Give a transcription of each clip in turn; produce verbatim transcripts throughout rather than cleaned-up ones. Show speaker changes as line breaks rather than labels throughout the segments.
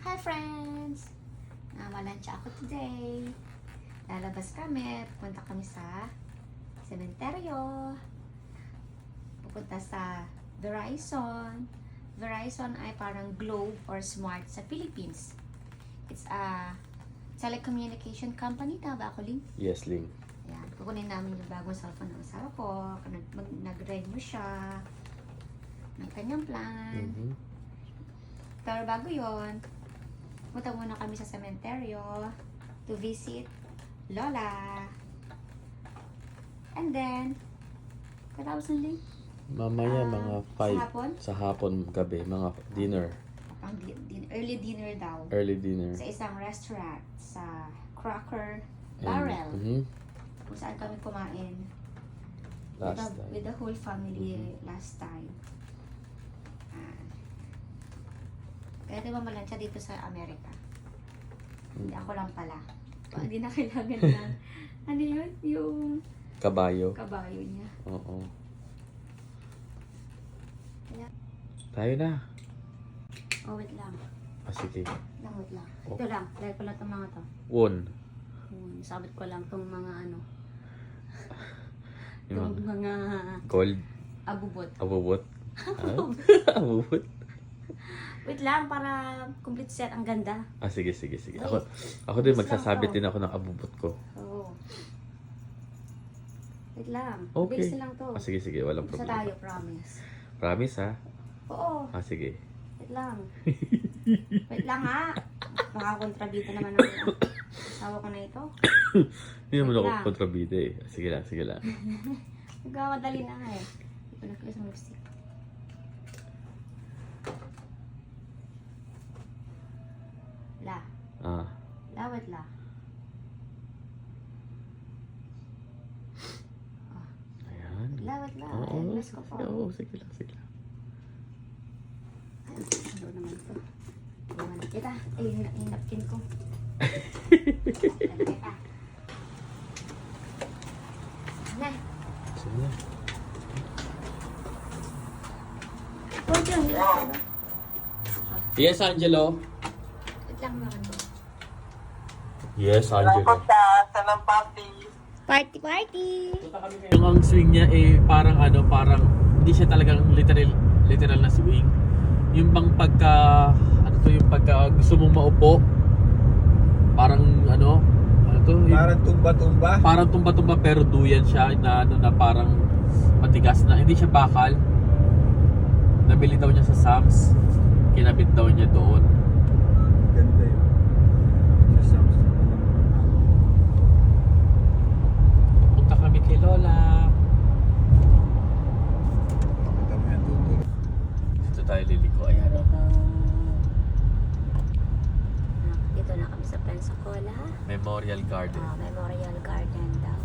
Hi friends! Namalansya ako today. Lalabas kami. Pupunta kami sa sementeryo. Pupunta sa Verizon. Verizon ay parang Globe or Smart sa Philippines. It's a telecommunication company. Tama ba ako, Ling?
Yes, Ling.
Ayan. Kukunin namin yung bagong cellphone ng asawa ko. Nag-renew siya. May kanyang plan.
Mm-hmm.
Pero bago yon, punta muna kami sa sementeryo to visit Lola. And then, katapos ng link?
Mamaya
Ah,
mga
sa
five.
hapon?
Sa hapon, gabi. Mga dinner.
Pang di- din- early dinner daw.
Early dinner.
Sa isang restaurant sa Cracker
And-
Barrel.
Mhm.
Kung saan kami kumain with,
Last
the,
time.
with the whole family
Mhm.
last time. Ah. Kaya diba malansya dito sa Amerika? Hindi
Mm.
ako lang pala. Hindi na kailangan ng ano yun? Yung
Kabayo.
kabayo niya.
Oo.
Kaya,
Tayo na.
oh wait lang.
Ah, sige.
Lang, wait lang.
Oh.
Ito lang. Dahil ko lang itong mga to.
Won.
Hmm, sabit ko lang itong mga ano.
Yung
Itong mga
gold.
abubot.
Abubot. Ah? Abubot.
Wait lang para complete set. Ang ganda.
Ah, sige, sige, sige.
Wait.
Ako, ako din
Yes lang
magsasabit
to.
din ako ng abubot ko.
Oo. Wait lang.
Okay.
Base lang to.
Ah, sige, sige. Walang
Isa
problema.
tayo, promise.
Promise, ha?
Oo.
Ah, sige.
Wait lang. Wait lang ha. Makakontrabita naman ako. Asawa ko na ito.
Hindi naman
Wait
ako
lang.
kontrabida eh. Sige lang, sige lang.
Nagkamadali na nga eh. Ito na ko isang lipstick. La.
Ah.
Lawat la.
Ayan.
Lawat la.
Oo,
Ay, bless ko po.
Oo, sige lang, sige lang.
Ay, ano naman ito. Iwan na kita. Eh, hin- hinapkin ko. Alam kita. Na.
Sige na.
Huwag yung hilaw.
Yes, Angelo.
Wait lang naman.
Yes, Angelo.
Party, party!
Yung ang swing niya eh parang ano, parang hindi siya talagang literal literal na swing. Yung bang pagka ano to, yung pagka gusto mong maupo, parang ano, ano to? Yung-
Parang tumba-tumba.
parang tumba-tumba pero duyan siya na ano na parang matigas na, hindi siya bakal. Nabili daw niya sa Sam's. Kinabit daw niya doon.
Ganda yun. Sa Samsung.
Punta kami kay Lola.
Pakita mo yan, tutulog.
Dito tayo liliko. Ayan.
Dito na kami sa Pensacola.
Memorial Garden.
Ah, Memorial Garden daw.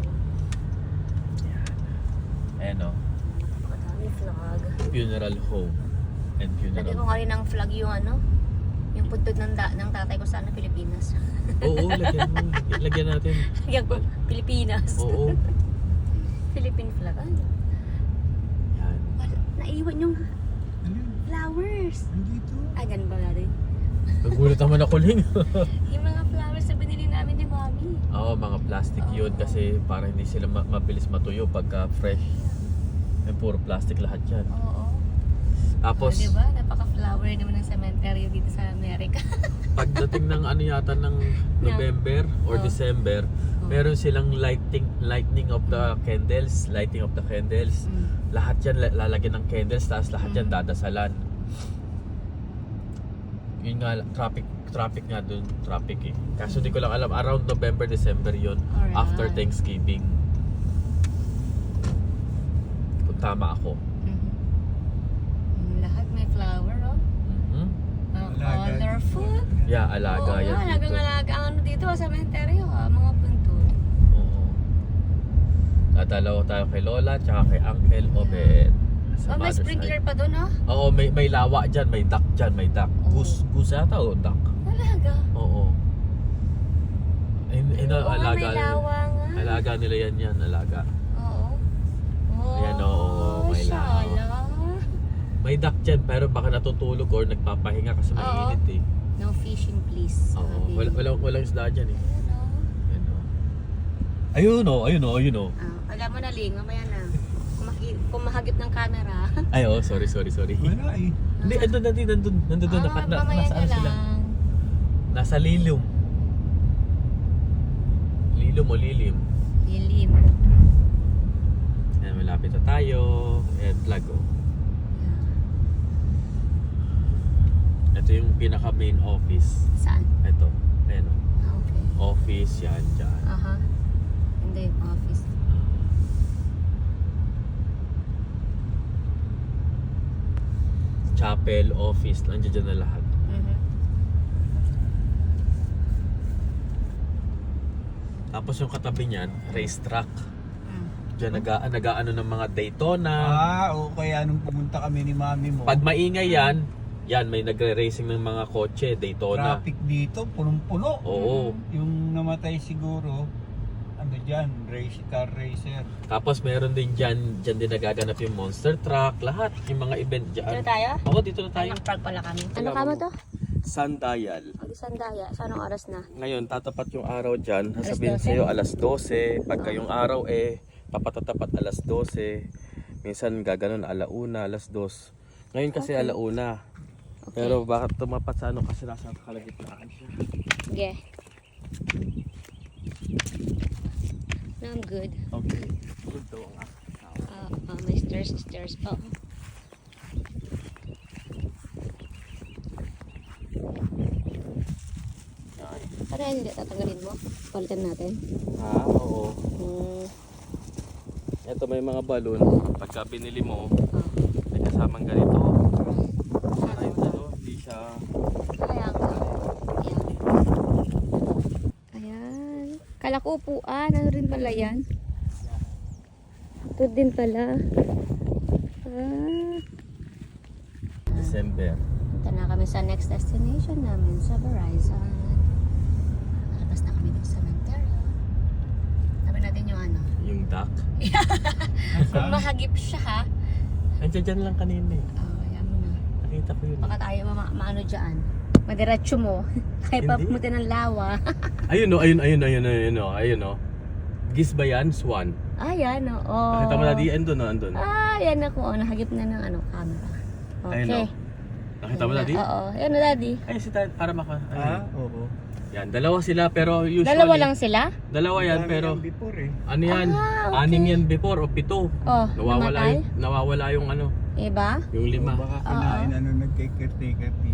Ayan o.
Napakadami flag.
Funeral home. And
Lagyan ko
funeral.
nga rin ng flag yung ano, yung puntod ng, da, ng tatay ko sa ano, Pilipinas.
Oo, lagyan mo. Lagyan natin.
Lagyan ko, Pilipinas.
Oo.
Philippine flag. Ay,
Yan.
wala, naiwan yung
Ano yun?
flowers.
Nandito.
Ay, ganun ba natin?
Nagulat naman ako, Ling.
Yung mga flowers na binili namin ni Mami.
Oo, mga plastic yun kasi para hindi sila ma- mabilis matuyo pagka fresh. Eh, puro plastic lahat yan.
Oo.
Tapos,
Oh, diba? Napaka-flower naman ng cemetery dito sa Amerika.
pagdating ng ano yata ng November or
Oh.
December, meron silang lighting lighting of the candles, lighting of the candles. Lahat yan la- lalagyan ng candles, tapos lahat yan
Mm.
dadasalan. Yun nga, traffic traffic nga dun, traffic eh. Kaso di ko lang alam, around November, December yun,
Alright.
after Thanksgiving. Kung tama ako.
Mhm. Lahat may flower, oh.
Mhm.
Uh,
Alaga.
colorful.
Yeah, alaga
Oo,
yan
nga,
dito.
alagang-alaga ang ano dito sa cemetery, ha, mga punto.
Oo. Dadalaw tayo kay Lola, tsaka kay Uncle Obed.
Oh,
Sa
may
mother's
sprinkler
side.
pa doon, oh.
Oo, may may lawa dyan, may duck dyan, may duck.
Oo.
Goose, goose yata o duck?
Talaga.
Oo. In, in,
Oo nga,
alaga,
may lawa nga.
alaga nila yan yan, alaga.
Oo. Oh,
Ayan, oo, may lawa.
shala.
May duck dyan, pero baka natutulog or nagpapahinga kasi
Oo.
mainit eh.
No fishing
walang, walang isda dyan eh.
Ayun, oh.
Ayun o, ayun o, ayun o.
Ah, alam mo na, Ling, mamaya na. Kung, maki- kung mahagip ng camera.
Ay, oh, sorry, sorry, sorry.
Wala eh.
Hindi, andun, nandun, nandun, nandun, nandun,
ah,
naka, na,
mamaya
nasa
na
ano sila?
lang.
Nasa lilum. Lilum o lilim.
Lilim.
Ayan, malapit na tayo. Ayan, flag oh. Ito yung pinaka main office.
Saan?
Ito, ayan o.
Ah, okay.
Office, yan, dyan.
Aha. Hindi yung office.
Chapel, office, nandiyan dyan na lahat.
Mhm.
Tapos yung katabi niyan, racetrack.
Mm.
Diyan naga, nagaano ng mga Daytona.
Ah, o kaya nung pumunta kami ni mami mo.
Pag maingay yan, yan may nagre-racing ng mga kotse, Daytona.
Traffic dito, punong-puno.
Oo.
Yung namatay siguro, ano dyan, race, car racer.
Tapos meron din dyan, dyan din nagaganap yung monster truck, lahat, yung mga event dyan.
Dito tayo?
Oo, dito na tayo.
Nag-park pala kami. Ano ka mo to?
Sundial.
Mag-isandaya. Sa anong oras na?
Ngayon, tatapat yung araw dyan.
Alas
Sasabihin
dose?
sa'yo alas dose. Pagka yung araw eh, tapat na tapat alas dose. Minsan gaganon alauna, alas dos. Ngayon kasi
Okay.
alauna.
Okay.
Pero bakit tumapat sa ano? Kasi nasa kalagitnaan siya.
Sige. No, I'm good.
Okay. Good daw ang aking tao.
Ah, ah, may stairs, stairs. Oh.
Ay.
Para hindi tatanggalin mo. Palitan natin.
Ah, oo.
Hmm.
Ito may mga balon. Pagka binili mo,
Oh.
may kasamang ganito. Para yung ano, hindi siya...
Kaya nga. Ayan. Ayan. Kala ko upuan. Ano rin pala yan? Ito din pala. Ah.
December.
Punta na kami sa next destination namin sa Verizon. Lalabas na kami ng cemetery. Sabi natin yung ano.
Yung duck.
Kung mahagip siya ha.
Andiyan dyan lang kanina eh.
Oh, ayan mo na.
Nakita ko yun.
Baka tayo ma maano dyan. Madiretso mo. Kaya pa
Hindi.
pumunta ng lawa.
Ayun o, ayun, ayun, ayun, ayun o, ayun o. Gis ba yan? Swan.
Ayan o. Oh.
Nakita mo na di, andun o, andun.
Ah, yan ako. Oh, nahagip na ng ano, camera. Okay.
Ayun o. Nakita mo na di?
Oo. Yan na, daddy.
Ay, si Dad, para maka...
Ah,
Ayun.
oo.
Yan, dalawa sila pero usually...
Dalawa lang sila?
Dalawa yan
Dami
pero...
yan before eh.
Ano yan?
Ah, okay.
Anim yan before o pito.
Oh,
Nawawala
namatay?
yung, nawawala yung ano,
Iba?
yung lima.
O baka kinain ano nagkikir-tikir dito.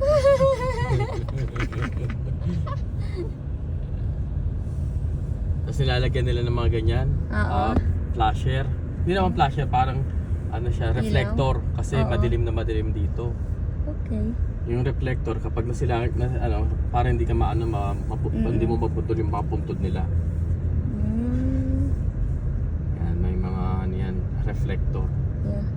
Tapos nilalagyan nila ng mga ganyan.
Oo.
ah, flasher. Hindi naman flasher, parang ano siya,
Ilaw?
reflector. Kasi
Oo.
madilim na madilim dito.
Okay.
Yung reflector, kapag nasila, na, ano, parang hindi ka maano, ma, mapu,
Mm.
hindi mo maputol yung mga puntod nila.
Mm.
Yan, may mga ano yan, reflector.
Yeah.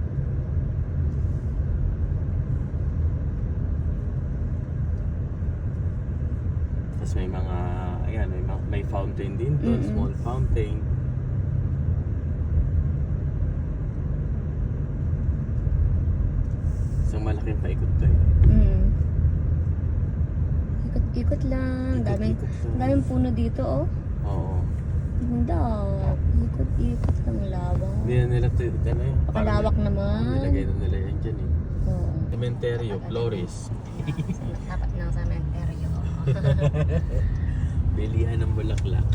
Tapos may mga, ayan, may, mga- may fountain din doon,
Mm-mm.
small fountain. Isang malaking paikot to eh.
Mm. Ikot-ikot lang. Daming,
Ikot-ikot lang.
daming puno dito, oh.
Oo.
Ganda. Ikot-ikot lang lawang.
Hindi na nila, t- ano yun,
Pakalawak
parang-
naman.
Nilagay na nila yan dyan eh.
Oo.
Cementerio, Flores.
Dapat ng cementerio.
Bilihan ng bulaklak.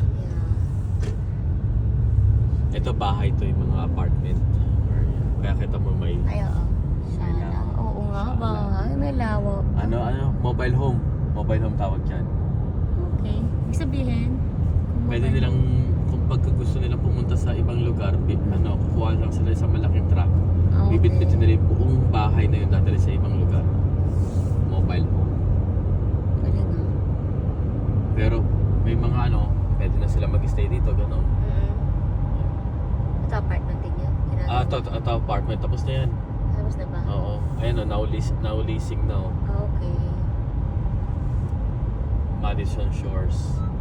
Yeah.
Ito bahay to, yung mga apartment. Kaya kita mo may
Ay, oo. Sana. Oo nga
Sana.
ba? Ay, may lawak.
ano ano mobile home. Mobile home tawag dyan.
Okay. Ibig sabihin, kung
Pwede
mabay-
nilang kung pagka gusto nilang pumunta sa ibang lugar, bi- ano, kukuha lang sila sa malaking truck.
Ah, okay.
Bibit-bitin nila yung buong bahay na yun dadali sa ibang lugar. Mobile home.
Galing ah.
Pero may mga ano, pwede na sila mag-stay dito, gano'n.
Mm-mm. Ito apartment din yun. Ginagawa.
Ah, ito, ito, ito apartment. Tapos na yan.
Tapos na ba?
Oo. Ayan o, now, lease, now leasing now.
Ah, okay.
Madison Shores.